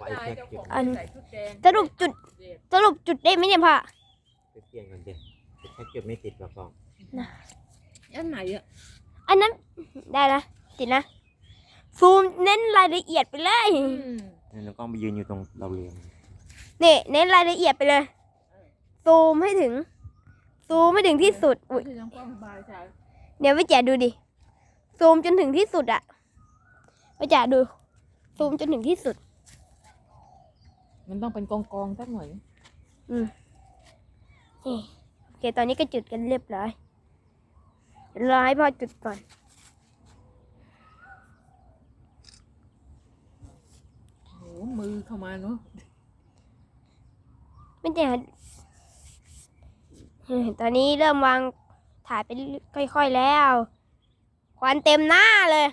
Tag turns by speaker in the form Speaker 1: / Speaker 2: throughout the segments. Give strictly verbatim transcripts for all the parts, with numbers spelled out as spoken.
Speaker 1: ไอ้แค่เก็บ
Speaker 2: อันสรุปจุดสรุปจุดได้ไหมเนี่ยพ่อ
Speaker 1: ไปเปลี่ยนกันเด็แค่เก็บไม่ติดหรอกกอง
Speaker 2: นะ
Speaker 3: อันไหนอ่ะ
Speaker 2: อันนั้นได้นะติดนะซูมเน้นรายละเอียดไปเลย
Speaker 1: นี่น้องกล้องไปยืนอยู่ตรงเราเรียน
Speaker 2: นี่เน้นรายละเอียดไปเลยซูมให้ถึงซูมให้ถึงที่สุดอุ้ยเดี๋ยวไปแจกดูดิซูมจนถึงที่สุดอะไปแจกดูซูมจนถึงที่สุด
Speaker 3: มันต้องเป็นกองกองสักหน่อย
Speaker 2: อืมโอเคตอนนี้ก็จุดกันเรียบร้อยรอให้พ่อจุดก่อน
Speaker 3: โอ้มือเข้ามาเนาะ
Speaker 2: ไม่แจกตอนนี้เริ่มวางถ่ายไปค่อยๆแล้วควันเต็มหน้าเลย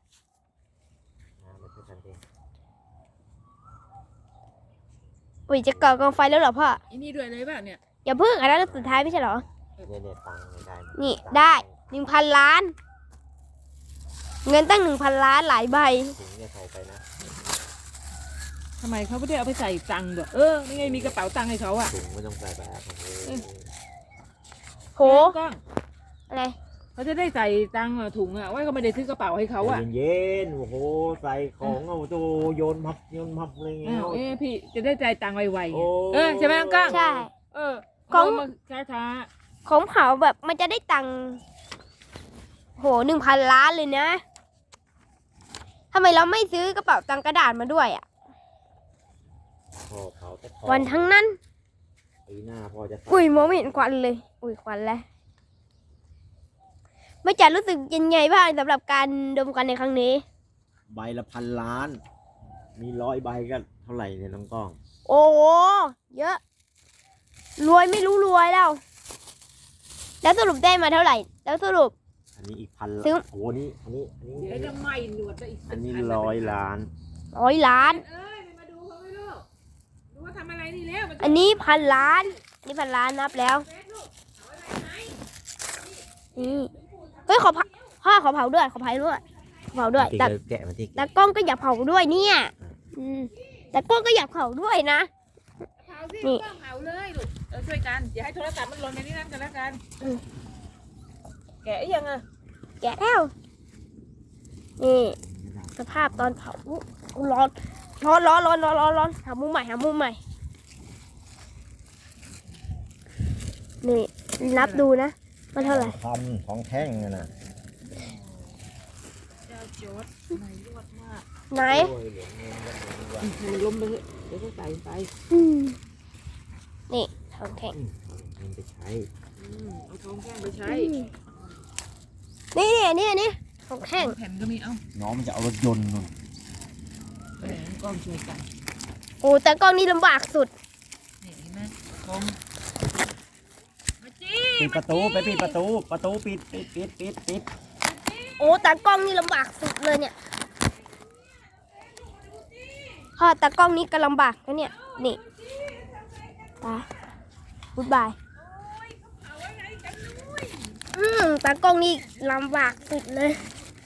Speaker 2: อุ้ยจะก่อกองไฟแล้วเหรอพ่อ
Speaker 3: อันนี้ด้วยเลยป่ะเนี่ย
Speaker 2: อย่าพึ่งอันนั้นสุดท้ายไม่ใช่เหรอ
Speaker 1: เนี่ยเนี่ยตังค์ได้
Speaker 2: นี่ได้หนึ่งพันล้านเงินตั้งหนึ่งพันล้านหลายใบ
Speaker 1: ถึงจะใส่ไปนะ
Speaker 3: ทำไมเขาไม่ได้เอาไปใส่ตังค์ด้วยเออนี่ไงมีกระเป๋าตังค์ให้เขาอ่ะ
Speaker 1: ถุงไม่ต้องใส่ไปอ่ะ
Speaker 2: โหอะไร
Speaker 3: เขาจะได้ใส่ตังค์ถุงอ่ะว่าเขาไม่ได้ซื้อกระเป๋าให้เขาอ่ะ
Speaker 1: เย็นๆโอ้โหใส่ของเอาโตโยนพับโยนพับอะไรเงี้ย
Speaker 3: เอ๊ะพี่จะได้ใจตังค์ไวๆเออใช่ไหมน้องก้าง
Speaker 2: ใช่
Speaker 3: เออของช้า
Speaker 2: ๆของเผาแบบมันจะได้ตังค์โหหนึ่งพันล้านเลยนะทำไมเราไม่ซื้อกระเป๋าตังค์กระดาษมาด้วยอ่ะวันทั้งนั้น
Speaker 1: ปีหน้าพอจะ
Speaker 2: อุ้ยมองไม่เห็นควันเลยอุ้ยควันแล้วไม่จัดรู้สึกยังไงบ้างสำหรับการดมกันในครั้งนี้
Speaker 1: ใบละพันล้านมีร้อยใบก็เท่าไหร่เนี่ยน้องก้อง
Speaker 2: โอ้โหเยอะรวยไม่รู้รวยแล้วแล้วสรุปได้มาเท่าไหร่แล้วสรุป
Speaker 1: อันนี้อีกพัน
Speaker 2: ซื้อ
Speaker 1: โอ้โหนี่อันนี้อันนี้
Speaker 3: เดี๋ยวจะไหม้หนวดไปอีก
Speaker 1: อันนี้ร้อยล้าน
Speaker 2: ร้อยล้าน
Speaker 3: เอ้ยมาดูเขาไม่รู้ดูว่าทำอะไรนี่แล้ว
Speaker 2: อันนี้พันล้านนี่พันล้านนับแล้วนี่เฮ้ยขอพ่อขอเผาด้วยขอเผาด้วยเผาด้วยแต่
Speaker 1: แกะมาที่
Speaker 2: แต่กล้องก็อยากเผาด้วยเนี่ยแต่กล้องก็อยากเผาด้วยนะ
Speaker 3: เผาสินี่เผาเลยลูกเออช่วยกันอย่าให้โทรศัพท์มันหล่นในนี้นั่นกันแล้วกันแกะยังอ่ะ
Speaker 2: แกะแล้วนี่สภาพตอนเผาร้อนร้อนร้อนร้อนร้อนร้อนร้อนหามุมใหม่หามุมใหม่นี่นับดูนะมันเท่าไหร่
Speaker 1: ทำของแท่งนะ
Speaker 2: ไหน
Speaker 3: มันล้มไปเดี๋ยวก็ใส่ไป
Speaker 2: นี่ทองแท่ง
Speaker 1: มันไปใช้
Speaker 3: เอาทองแท่งไปใช้
Speaker 2: นี่นี่นี่ทองแท่ง
Speaker 3: แผ่นก็มีเอ้า
Speaker 1: น้องมันจะเอารถยนต์นู่น
Speaker 3: กล้องช่วยกัน
Speaker 2: โอ้แต่กล้องนี่ลำบากสุด
Speaker 3: นี่เห็นไหมกล้อง
Speaker 1: ปิดประตูไปปิดประตูประตูปิดปิดปิดปิดปิด
Speaker 2: โอ้แต่กล้องนี่ลำบากสุดเลยเนี่ยพ่อแต่กล้องนี้ก็ลำบากนะเนี่ยนี่ตาบ๊ายบายอืมแต่กล้องนี้ลำบากสุดเลย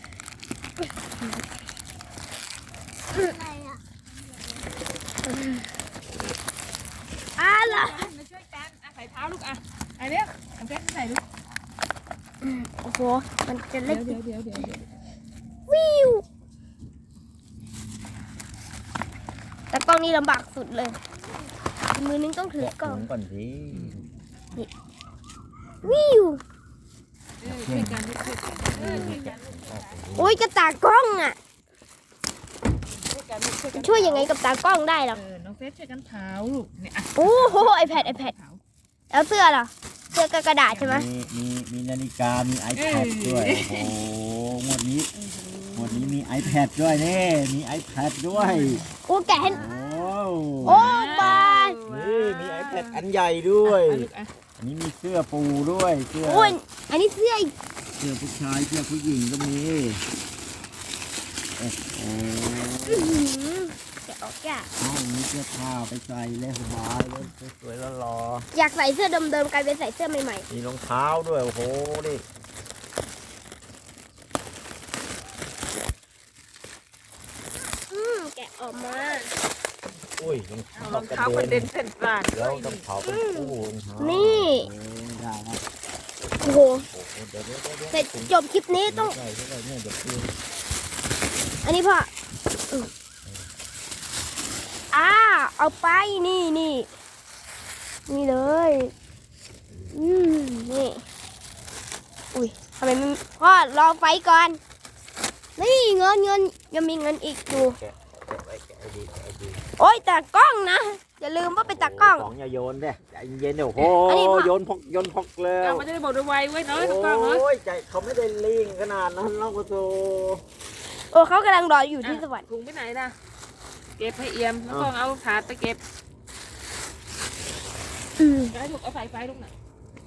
Speaker 2: อะไรอ่ะ
Speaker 3: มาช่วยกันใส่เท้าลูกอ่ะไอเนี้ยเอาแก้ใส่ลูก
Speaker 2: โอ้โหมันจะเล็ก
Speaker 3: เดี๋ยวเดี๋ยวเดี๋ยว
Speaker 2: วิวแต่กล้องนี้ลำบากสุดเลยมือนึงต้องถือกล้อง
Speaker 1: ก่อนสิ
Speaker 2: วิว
Speaker 3: ช่วยกันช่วยกัน
Speaker 2: โอ้ยกระตากล้องอ่ะช่วยยังไงกับตากล้องได้หรอ
Speaker 3: น้องเฟซช่วยกันเผาลูกเนี่ย
Speaker 2: โอ้โหไอแพดไอแพดแล้วเสื้อล่ะเสื้อกระดาษใช่ไหม
Speaker 1: มีมีมีนาฬิกามี iPad ด้วยโอ้โหหมดนี้หมดนี้มี iPad ด้วยนี่มี iPad ด้วย
Speaker 2: โอ้แกะ
Speaker 1: โอ้
Speaker 2: โอ้บาย
Speaker 1: นี่มี iPad อันใหญ่ด้วยอันนี้มีเสื้อปูด้วยเสื้อ
Speaker 2: โอ้ยอันนี้เสื้อ
Speaker 1: เสื้อผู้ชายเสื้อผู้หญิงก็มีโอ้โห
Speaker 2: แกะออกแกะ
Speaker 1: เอามีเสื้อผ้าไปใส่เลยสบายเลยสวยแล้วรอ
Speaker 2: อยากใส่เสื้อเดิมๆกลายเป็นใส่เสื้อใหม่
Speaker 1: ๆมีรองเท้าด้วยโอ้โหดิ
Speaker 2: อืมแกะออกมา
Speaker 1: อุ้ยรอง
Speaker 3: เอา
Speaker 1: เท้าร
Speaker 3: องเท้ากระเด็นเส้นกลาง
Speaker 1: แล้วต้องเผาเป็นคู่รองเท้า
Speaker 2: นี่
Speaker 1: โอ้ยได้นะ
Speaker 2: โอ้โห
Speaker 1: โอ้โหเดี๋ยวเดี๋ยวเดี๋ยวเดี๋ยว
Speaker 2: เสร็จจบคลิปนี้ต้อง
Speaker 1: ใช่ใช่เนี่ยเดี๋ยวคือ
Speaker 2: อันนี้พ่ออืมอ่าเอาไปนี่นี่นี่เลยอืมนี่อุ้ยทำไมไม่พ่อรอไฟก่อนนี่เงินเงินยังมีเงินอีกอยู่
Speaker 1: แกะแกะไว้แกะไอ้ดีแกะไอ้ดี
Speaker 2: โอ้ยตากล้องนะอย่าลืมว่าเป็นตากล้อง
Speaker 1: สองอย่าโยนเด้ใจเย็นๆเดี๋ยวโอ้โห
Speaker 2: อันนี้พ่อ
Speaker 1: โยนพกโยนพกแล้
Speaker 3: เอา
Speaker 1: ว
Speaker 3: มันจะได้บอกด้วยไวไว้เนาะต้องกล้องเนาะ
Speaker 1: โอ้ยใจเขาไม่ได้ลิงขนาดนั้นแล้วก็โต
Speaker 2: โอ้เขากำลังรออยู่ที่สวรรค์
Speaker 3: ถุงไปไหนนะเก็บให้เอี่ยมแล้วก็เอาถาดไปเก็บ
Speaker 2: อืม
Speaker 3: ให้ลูกเอาสายไฟลูกน่ะ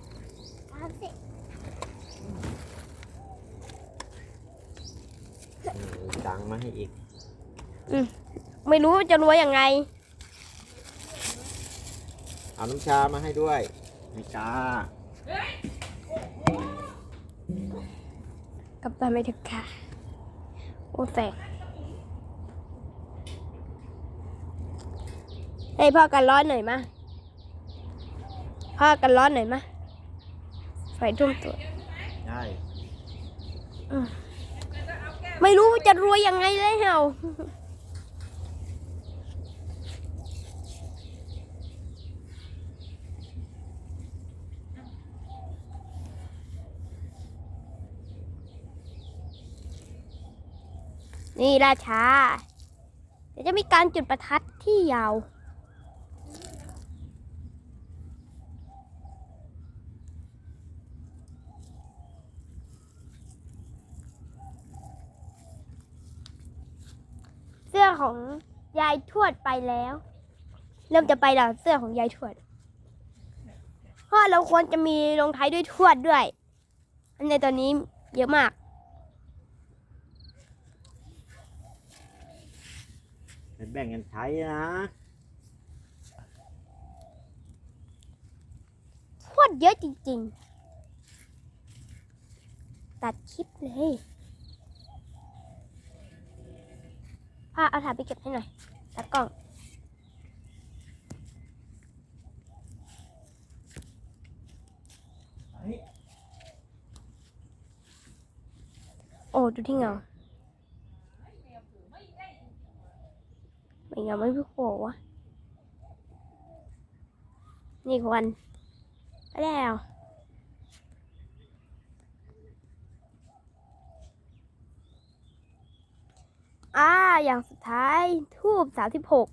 Speaker 1: เออตังค์มาให้อีก
Speaker 2: ไม่รู้ว่าจะรวยยังไง
Speaker 1: เอาน้ำชามาให้ด้วยน้ำชา
Speaker 2: กลับบ้านไม่ถึงค่ะโอ้แสงให้พ่อกันร้อนหน่อยมาพ่อกันร้อนหน่อยมาไฟทุ่มตัว
Speaker 1: ได้
Speaker 2: ไม่รู้ว่าจะรวยยังไงเลยเฮานี่ราชา เดี๋ยวจะมีการจุดประทัดที่ยาว เสื้อของยายทวดไปแล้ว เริ่มจะไปแล้วเสื้อของยายทวดเพราะเราควรจะมีลงท้ายด้วยทวดด้วย อันในตอนนี้เยอะมาก
Speaker 1: เป็นแบ่งกันใช้นะ
Speaker 2: ทวดเยอะจริงๆ ตัดคลิปเลยพาเอาถ่ายไปเก็บให้หน่อยตากล้อง โอ้ ดูที่เงาไม่เงาไม่พี่โผวะนี่ควันไปแล้วอ่าอย่างสุดท้ายทูบสามสิบหก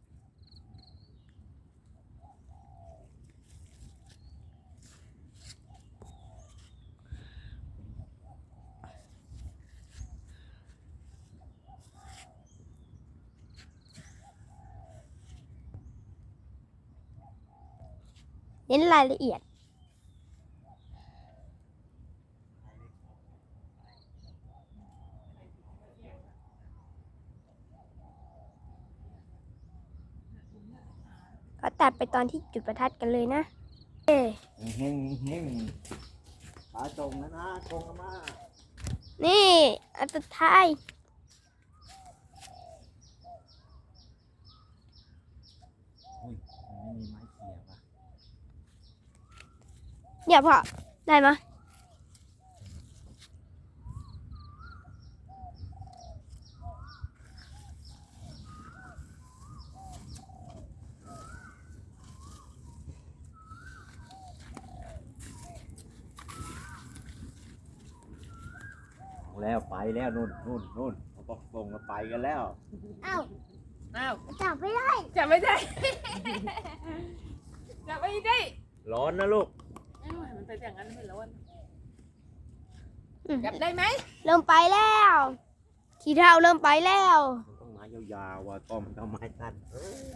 Speaker 2: เน้นรายละเอียด ก็ตัดไปตอนที่จุดประทัดกันเลยนะ เอ้
Speaker 1: เฮงเฮงปลาจงนะนะจงมา
Speaker 2: นี่ อันสุดท้าย
Speaker 1: อุ้ยมันไม่มีไม้เขี่ยป่ะ
Speaker 2: เนี่ยพ่อ ได้ไหมย
Speaker 1: เอาแล้วไปแล้วนู่นนู่นนู่นเขาบอกส่งมาไปกันแล้ว
Speaker 2: อ้าว
Speaker 3: อ้าว
Speaker 2: จับไม่ได้
Speaker 3: จับไม่ได้ จับไม่ได้
Speaker 1: ร้อนนะลูก
Speaker 3: เอ้ยมันเป็นอย่างนั้นไม่ร้อน
Speaker 2: อืม
Speaker 3: จับได้ไหม
Speaker 2: เริ่มไปแล้วขี้เท่าเริ่มไปแล้ว
Speaker 1: มันต้องไม้ยาวๆว่ะต้อมนต้องไม้สั้นเออ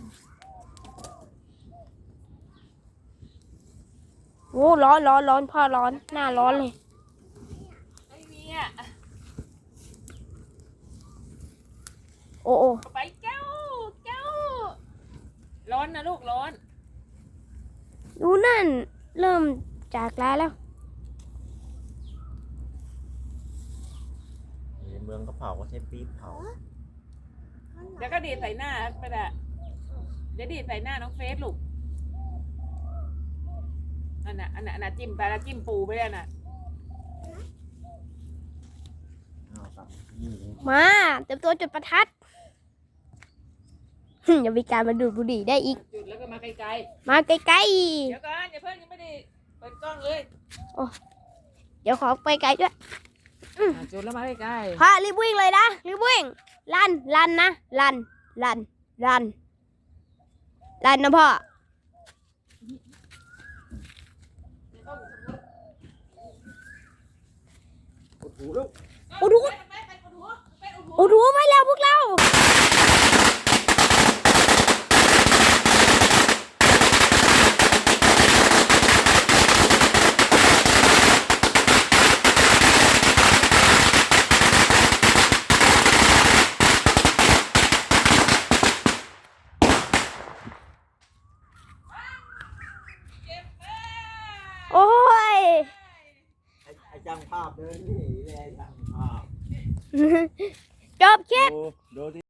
Speaker 2: โอ้ร้อนร้อนร้อนพ่อร้อน หน้าร้อนเลย
Speaker 3: ไม่มีอ่ะ
Speaker 2: โอ้โอ้
Speaker 3: เอาไปเจ้าเจ้าร้อนนะลูกร้อน
Speaker 2: ดูนั่น เริ่มจากลาแล้ว
Speaker 1: ในเมืองก็เผาก็ใช้ปี๊บเผา
Speaker 3: เดี๋ยวก็ดีดใส่หน้าไปละเดี๋ยวดีดใส่หน้าน้องเฟสลูกอันน่ะอันน่ะอันน่ะจิ้มไปแล้วจิ้มปูไปเลยน่ะ
Speaker 1: เอาครับนี่เลย
Speaker 2: มาเตรียมตัวจุดประทัด อย่ามีการมาดูดบุหรี่ได้อีก
Speaker 3: จุดแล้วก็มาไกล
Speaker 2: มาใกล้
Speaker 3: ๆเดี๋ยวก่อนอย่าเพิ่งยังไม่ได้เปิดกล้องเลย
Speaker 2: ๆ เดี๋ยวขอไปไกลด้วย
Speaker 3: อ่ะจุดแล้วมาใกล้
Speaker 2: พ่อรีบวิ่งเลยนะรีบวิ่งลันลันนะลันลันลันลันนะพ่อ
Speaker 1: อุดหูลูก
Speaker 3: ๆ
Speaker 2: อุดหู
Speaker 3: เฟสเฟสอุดหูเฟสอุดหู
Speaker 2: โอ้ดูไปแล้วพวกเรา
Speaker 3: เจ็บมาก
Speaker 2: โอ้ย
Speaker 1: ไอ้ไอ้จังภาพเดินหนี่เลยไอ้จังภาพ
Speaker 2: จบคลิป
Speaker 1: ดูดูที่